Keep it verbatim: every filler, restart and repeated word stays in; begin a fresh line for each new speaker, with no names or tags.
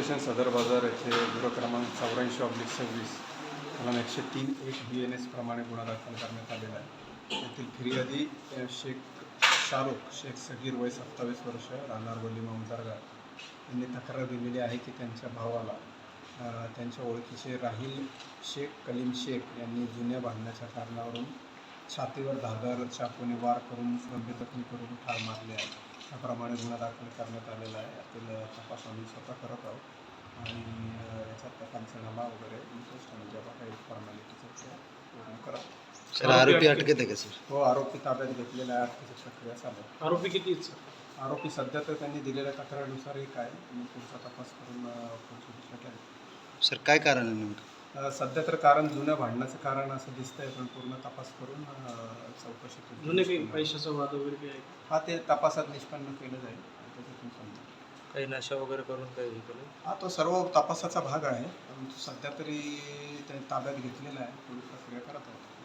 Station सदर बाजार येथे गुन्हा क्रमांक चौऱ्याऐंशी ऑब्लिक सव्वीस कलम एकशे तीन एक बी एन एस प्रमाणे गुन्हा दाखल करण्यात आलेला आहे. यातील फिर्यादी अ, शेख शाहरुख शेख सगीर वय सत्तावीस वर्ष राहणार वली ममदारगाव यांनी तक्रार दिलेली आहे की त्यांच्या भावाला अ, त्यांच्या ओळखीचे राहील शेख कलीम शेख यांनी जुन्या भांडण्याच्या कारणावरून छातीवर धारदार चाकूने वार करून गंभीर जखमी करून ठार मारले आहे. त्याप्रमाणे गुन्हा दाखल करण्यात आलेला आहे. यातील अ, तपास आम्ही स्वतः करत आहोत आणि अ, याचा पंचनामा वगैरे इंटरेस्ट म्हणजे ज्या काही फॉर्मॅलिटीचं ते पूर्ण करा.
सर आरोपी अटकेत आहे का सर?
हो, आरोपी ताब्यात घेतलेला आहे. अटकेची प्रक्रिया चालू आहे.
आरोपी किती आहेत सर?
आरोपी सध्या तर त्यांनी दिलेल्या तक्रारीनुसार एक आहे आणि पुढचा तपास करून अ, पुढची दिशा केली.
सर काय कारण आहे नेमकं?
अ, सध्या तर कारण जुनं भांडण्याचं कारण असं दिसतंय, पण पूर्ण तपास करून अ, चौकशी केली.
जुने काही पैशाचा वाद वगैरे काही आहे का?
हा, ते तपासात निष्पन्न केलं जाईल आणि त्याच्यातून समजेल.
काही नशा वगैरे करून काही हे केलं?
हा, तो सर्व तपासाचा भाग आहे. परंतु सध्या तरी ते ताब्यात घेतलेला आहे. पुढील प्रक्रिया करत आहोत.